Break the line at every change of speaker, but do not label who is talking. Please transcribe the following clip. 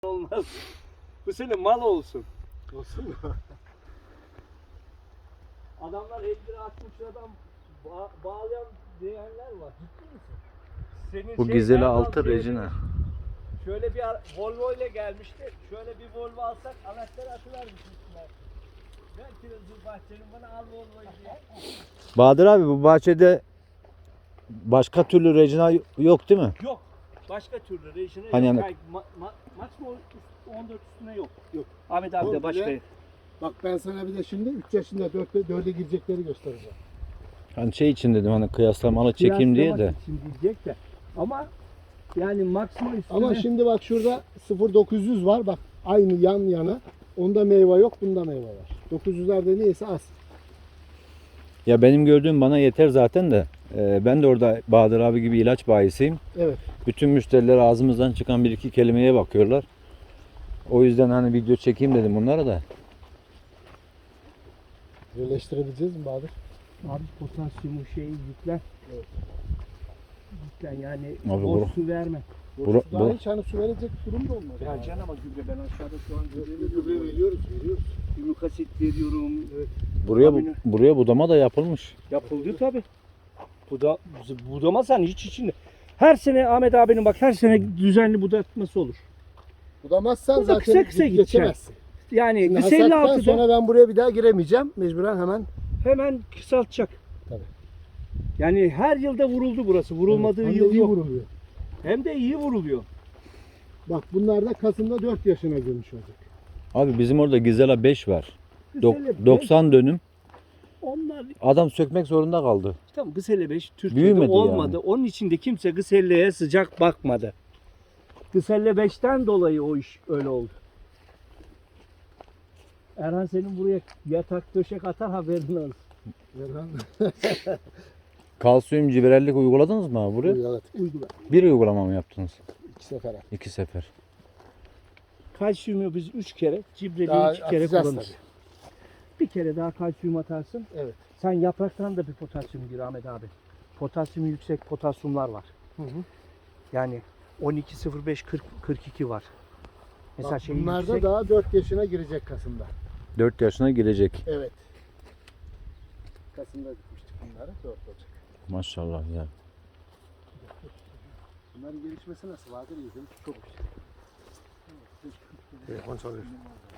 olmaz. Bu sene mal olsun.
Olsun mu?
Adamlar 50 lira 60 liradan bağlayan diyenler var. Ciddi misin? Senin
Bu
şey,
Gizeli
Erdal
6
diye
Regina.
Şöyle bir Volvo ile gelmişti. Şöyle bir Volvo alsak anahtarı atıvermiş üstüne. Ver kirazı bahçenin bana al Volvo'yu diye.
Bahadır abi bu bahçede başka türlü Regina yok değil mi?
Yok. Başka türlü Regina
Hani
yok.
yani-
Yani maksimum 14 üstüne yok.
Yok.
Ahmet abi de
Komple-
başka.
Bak ben sana bir de şimdi 3 yaşında 4'e girecekleri göstereceğim.
Hani şey için dedim hani kıyaslamalı çekeyim diye de.
Kıyaslamak için diyecek de. Ama yani maksimum üstüne.
Ama şimdi bak şurada 0.900 var. Bak aynı yan yana. Onda meyve yok, bunda meyve var. 900'lerde neyse az.
Ya benim gördüğüm bana yeter zaten de. Ben de orada Bahadır abi gibi ilaç bayisiyim.
Evet.
Bütün müşteriler ağzımızdan çıkan bir iki kelimeye bakıyorlar. O yüzden hani video çekeyim dedim bunlara da.
Birleştirebileceğiz mi Bahadır?
Abi potasyumu şeyi yüklen.
Evet.
Yüklen yani
Abi
boş
bura-
su verme.
Daha hiç hani su verecek durum da olmaz.
Vereceksin ama gübre ben aşağıda şu an
Gübre veriyoruz.
Ümük asit veriyorum.
Buraya budama da yapılmış.
Yapıldı tabi. Budamasan hiç içinde. Her sene Ahmet abinin bak her sene düzenli budatması olur.
Budamazsan
Burada
zaten
kısa kısa
geçemezsin.
Yani
Şimdi
Gıseli
hasattan
6'da
sonra ben buraya bir daha giremeyeceğim. Mecburen hemen
kısaltacak.
Tabii.
Yani her yılda vuruldu burası. Vurulmadığı
hem de
yıl
iyi
yok.
vuruluyor.
Hem de iyi vuruluyor.
Bak bunlar da Kasım'da 4 yaşına girmiş olacak.
Abi bizim orada Gizela 5 var.
Gıseli beş,
90 dönüm.
Onlar
Adam sökmek zorunda kaldı.
tam Gıseli 5 Türkiye'de
Büyümedi
olmadı.
yani.
Onun için de kimse Gıseli'ye sıcak bakmadı. Gıseli 5'ten dolayı o iş öyle oldu. Erhan senin buraya yatak döşek atar haberin olsun.
Verhan.
Kalsiyum cibrellik uyguladınız mı abi buraya?
Evet.
Uygula.
Bir uygulama mı yaptınız?
2 sefer at.
2 sefer.
Kalsiyumu biz 3 kere, cibreliği
Daha
2 kere
atacağız
kullanırız.
tabii.
Bir kere daha kalsiyum atarsın.
Evet.
Sen yapraktan da bir potasyum gir Ahmet abi. Potasyumu yüksek potasyumlar var.
Hı hı.
Yani 12.05 42 var. Mesela
Bak,
şey
bunlar da
yüksek.
daha 4 yaşına girecek Kasım'da.
4 yaşına girecek.
Evet. Kasım'da dikmiştik bunları. 4 olacak.
Maşallah ya.
Bunların gelişmesi nasıl? Vardır iyi değil mi? Çok güzel.
Telefon çalıyor.